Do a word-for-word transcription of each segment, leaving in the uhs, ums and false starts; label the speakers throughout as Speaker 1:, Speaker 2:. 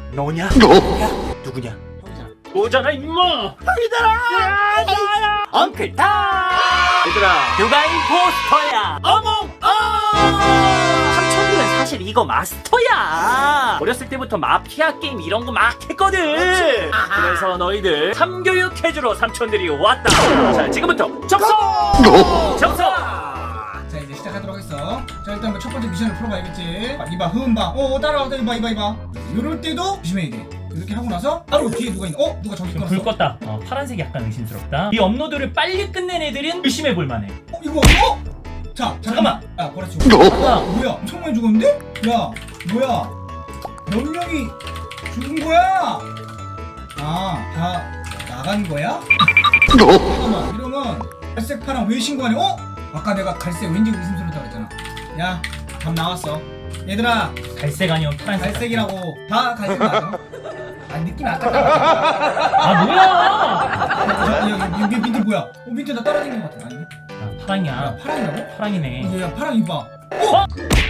Speaker 1: 너냐? 누구냐? 누구냐?
Speaker 2: 형이잖아.
Speaker 1: 너잖아 임마!
Speaker 2: 형이잖아!
Speaker 1: 야, 나야! 엉클타! 얘들아, 누가 임포스터야? 어몽 어! 삼촌들은 사실 이거 마스터야. 어렸을 때부터 마피아 게임 이런 거 막 했거든. 그래서 너희들 삼교육해주러 삼촌들이 왔다. 자, 지금부터 접속! 접속!
Speaker 2: 자, 이제 시작하도록 하겠어. 자, 일단 첫 번째 미션을 풀어봐야겠지. 아, 이봐, 흐음봐. 어, 따라와, 이봐, 이봐, 이봐. 요럴 때도 조심해야 돼. 이렇게 하고 나서 바로 뒤에 누가 있나? 어? 누가 저기
Speaker 3: 불
Speaker 2: 끊었어?
Speaker 3: 껐다. 어, 파란색이 약간 의심스럽다. 이 업로드를 빨리 끝낸 애들은 의심해 볼 만해.
Speaker 2: 어? 이거 어? 자, 잠깐만. 야, 보라 치고.
Speaker 3: 아까
Speaker 2: 뭐야? 엄청 많이 죽었는데? 야, 뭐야? 몇 명이 죽은 거야? 아, 다 나간 거야? 잠깐만, 이러면 갈색 파랑 왜 신고하냐? 어? 아까 내가 갈색 왠지 의심스럽다고 했잖아. 야, 답 나왔어. 얘들아,
Speaker 3: 갈색 아니면 파란색.
Speaker 2: 갈색이라고. 다 갈색 맞아. 아, 느낌 아깝다.
Speaker 3: 아 뭐야?
Speaker 2: 야, 야, 야, 민트 뭐야? 어, 민트 나 따라다니는 것 같아. 아니네?
Speaker 3: 아, 파랑이야.
Speaker 2: 야, 파랑이라고?
Speaker 3: 파랑이네.
Speaker 2: 어, 야, 파랑 이봐.
Speaker 3: 어?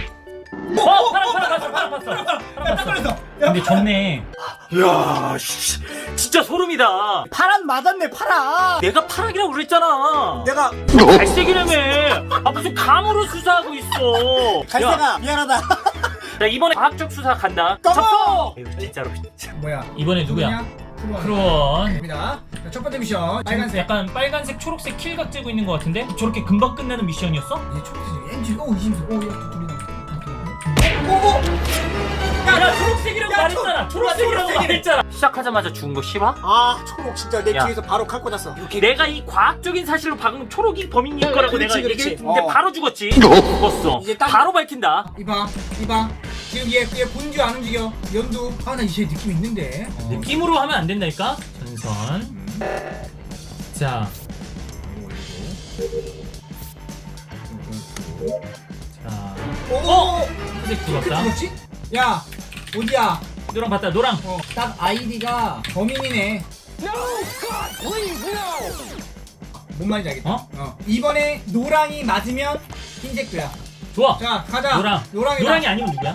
Speaker 3: 어, 파랑 파랑 봤어, 파랑 봤어.
Speaker 2: 야,
Speaker 3: 파랑
Speaker 2: 딱
Speaker 3: 봤어.
Speaker 2: 걸렸어. 야,
Speaker 3: 근데 졌네.
Speaker 1: 야, 씨, 진짜 소름이다.
Speaker 2: 파란 맞았네, 파랑.
Speaker 1: 내가 파랑이라고 그랬잖아.
Speaker 2: 내가
Speaker 1: 갈색이라며. 아, 무슨 감으로 수사하고 있어. 야,
Speaker 2: 갈색아 미안하다.
Speaker 1: 나 이번에 과학적 수사 간다.
Speaker 2: 꺼져!
Speaker 1: 접속! 에휴, 진짜로.
Speaker 2: 뭐야?
Speaker 3: 이번에 누구야?
Speaker 2: 크루원.
Speaker 3: 크루원.
Speaker 2: 입니다. 자, 첫 번째 미션.
Speaker 3: 빨간색
Speaker 2: 빨간색.
Speaker 3: 약간 빨간색 초록색 킬각 째고 있는 것 같은데? 저렇게 금방 끝나는 미션이었어?
Speaker 2: 얘 초록색. 엔지. 오 의심스러워. 오, 얘 둘이다. 오, 오, 오.
Speaker 3: 야, 초록색이라고
Speaker 2: 야,
Speaker 3: 말했잖아.
Speaker 2: 초-
Speaker 3: 초록색이라고
Speaker 2: 초록색이래.
Speaker 3: 말했잖아.
Speaker 1: 시작하자마자 죽은 거 싫어?
Speaker 2: 아, 초록 진짜 내
Speaker 1: 야.
Speaker 2: 뒤에서 바로 칼 꽂았어.
Speaker 1: 내가 이 과학적인 사실로 방금 초록이 범인일 거라고
Speaker 2: 그렇지,
Speaker 1: 내가
Speaker 2: 그렇지.
Speaker 1: 얘기했는데
Speaker 2: 어.
Speaker 1: 바로 죽었지. 죽었어.
Speaker 2: 이제 딱-
Speaker 1: 바로 밝힌다.
Speaker 2: 이봐, 이봐. 지금 얘, 얘 본주 안 움직여. 연두. 아, 나 이제 느낌 있는데. 어.
Speaker 3: 느낌으로 하면 안 된다니까? 전선. 자. 자.
Speaker 2: 오,
Speaker 3: 어?
Speaker 2: 오,
Speaker 3: 흰색
Speaker 2: 그
Speaker 3: 죽었다.
Speaker 2: 죽었지? 야, 어디야?
Speaker 3: 노랑 봤다, 노랑.
Speaker 2: 어, 딱 아이디가 범인이네. 뭔 말인지 알겠다.
Speaker 3: 어?
Speaker 2: 어. 이번에 노랑이 맞으면 흰색도야.
Speaker 3: 좋아.
Speaker 2: 자, 가자.
Speaker 3: 노랑.
Speaker 2: 노랑이다.
Speaker 3: 노랑이 아니면 누구야?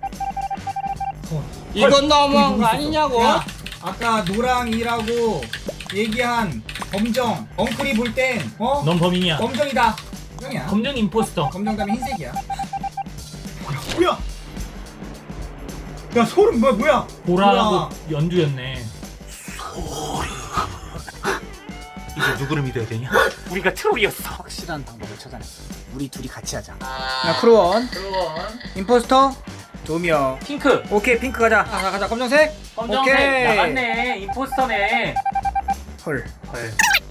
Speaker 4: 이건 너무한
Speaker 2: 저기
Speaker 4: 거
Speaker 2: 있었어.
Speaker 4: 아니냐고.
Speaker 2: 야, 아까 노랑이라고 얘기한 검정 엉클이 볼 땐 어?
Speaker 3: 넌 범인이야.
Speaker 2: 검정이다. 형이야.
Speaker 3: 검정 임포스터.
Speaker 2: 검정 다음에 흰색이야. 뭐야? 야, 소름 뭐야 뭐야?
Speaker 3: 보라하고
Speaker 2: 뭐야?
Speaker 3: 연두였네.
Speaker 1: 이제 누구를 믿어야 되냐? 우리가 트롤이었어.
Speaker 2: 확실한 방법을 찾아냈어. 우리 둘이 같이 하자. 야, 크루원.
Speaker 3: 크루원.
Speaker 2: 임포스터. 조미어.
Speaker 1: 핑크.
Speaker 2: 오케이, 핑크 가자. 가자, 가자. 검정색.
Speaker 1: 검정색.
Speaker 2: 오케이.
Speaker 1: 나갔네. 임포스터네.
Speaker 2: 헐.
Speaker 1: 헐.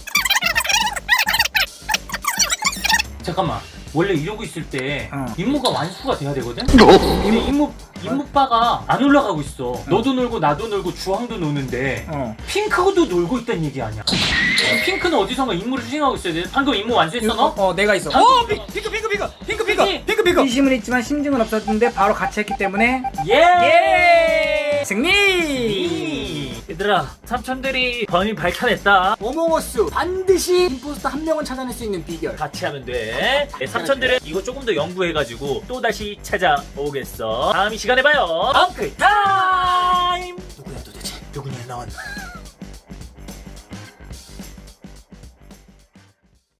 Speaker 1: 잠깐만. 원래 이러고 있을 때
Speaker 2: 어.
Speaker 1: 임무가 완수가 돼야 되거든? 근데 임무 임무바가 안 올라가고 있어. 너도 놀고 나도 놀고 주황도 노는데
Speaker 2: 어.
Speaker 1: 핑크도 놀고 있다는 얘기 아니야? 핑크는 어디선가 임무를 수행하고 있어야 돼. 방금 임무 완수했어 너?
Speaker 2: 어, 내가 있어.
Speaker 1: 방금
Speaker 2: 어, 핑- 핑크, 핑크, 핑크, 핑크, 핑크,
Speaker 1: 그치?
Speaker 2: 핑크, 핑크. 의심은 있지만 심증은 없었는데 바로 같이 했기 때문에
Speaker 1: 예!
Speaker 2: 예! 승리!
Speaker 1: 이. 얘들아, 삼촌들이 범인 밝혀냈다.
Speaker 2: 어몽어스 반드시 임포스터 한 명은 찾아낼 수 있는 비결.
Speaker 1: 같이 하면 돼. 네, 삼촌들은 이거 조금 더 연구해가지고 또 다시 찾아오겠어. 다음 이 시간에 봐요. 엉클 타임. 누구야 도대체? 누구냐 나왔나?